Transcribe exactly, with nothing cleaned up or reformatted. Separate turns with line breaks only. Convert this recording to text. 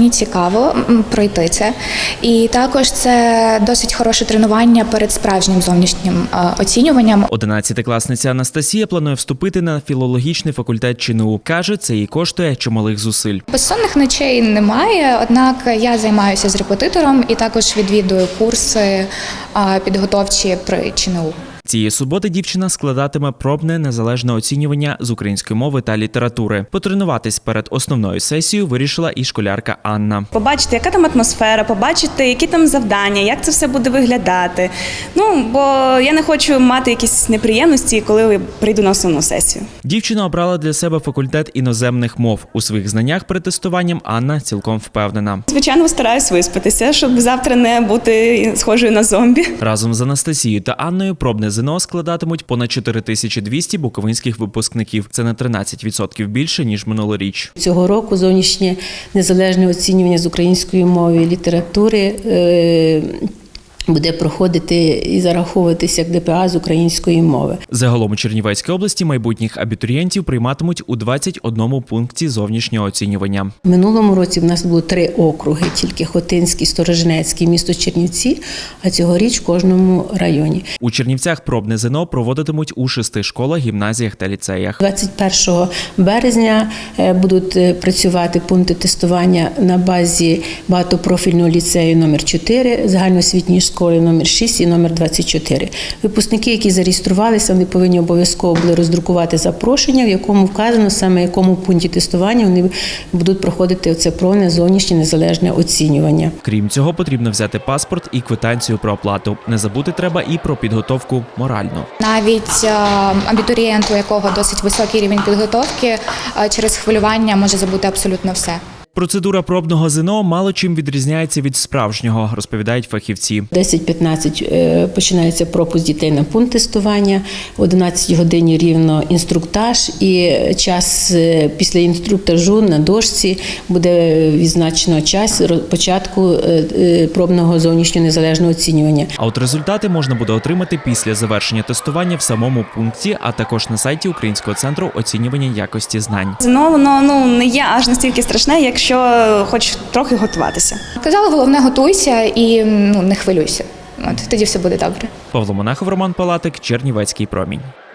мені цікаво пройти це. І також це досить хороше тренування перед справжнім зовнішнім оцінюванням.
Одинадцятикласниця Анастасія планує вступити на філологічний факультет ЧНУ. Каже, це їй коштує чималих зусиль.
Безсонних ночей немає, однак я займаюся з репетитором і також відвідую курси підготовчі при ЧНУ.
Цієї суботи дівчина складатиме пробне незалежне оцінювання з української мови та літератури. Потренуватись перед основною сесією вирішила і школярка Анна.
Побачити, яка там атмосфера, побачити, які там завдання, як це все буде виглядати. Ну, бо я не хочу мати якісь неприємності, коли прийду на основну сесію.
Дівчина обрала для себе факультет іноземних мов. У своїх знаннях перед тестуванням Анна цілком впевнена.
Звичайно, стараюсь виспатися, щоб завтра не бути схожою на зомбі.
Разом з Анастасією та Анною пробне ЗНО складатимуть понад чотири тисячі двісті буковинських випускників. Це на тринадцять відсотків більше, ніж минулоріч.
Цього року зовнішнє незалежне оцінювання з української мови і літератури е буде проходити і зараховуватися як ДПА з української мови.
Загалом у Чернівецькій області майбутніх абітурієнтів прийматимуть у двадцять одному пункті зовнішнього оцінювання.
В минулому році в нас було три округи, тільки Хотинський, Сторожинецький, місто Чернівці, а цьогоріч в кожному районі.
У Чернівцях пробне ЗНО проводитимуть у шести школах, гімназіях та ліцеях.
двадцять першого березня будуть працювати пункти тестування на базі багатопрофільного ліцею номер чотири, загальноосвітньої школи номер шість і номер двадцять чотири. Випускники, які зареєструвалися, вони повинні обов'язково були роздрукувати запрошення, в якому вказано саме, в якому пункті тестування вони будуть проходити оце пробне зовнішнє незалежне оцінювання.
Крім цього, потрібно взяти паспорт і квитанцію про оплату. Не забути треба і про підготовку моральну.
Навіть абітурієнт, у якого досить високий рівень підготовки, через хвилювання може забути абсолютно все.
Процедура пробного ЗНО мало чим відрізняється від справжнього, розповідають фахівці.
десять-п'ятнадцять починається пропуск дітей на пункт тестування, в одинадцятій годині рівно інструктаж і час після інструктажу на дошці буде відзначено час початку пробного зовнішнього незалежного оцінювання.
А от результати можна буде отримати після завершення тестування в самому пункті, а також на сайті Українського центру оцінювання якості знань.
ЗНО, воно ну, не є аж настільки страшне, якщо що хоч трохи готуватися.
Казала, головне готуйся і ну, не хвилюйся. От, тоді все буде добре.
Павло Монахов, Роман Палатик, Чернівецький промінь.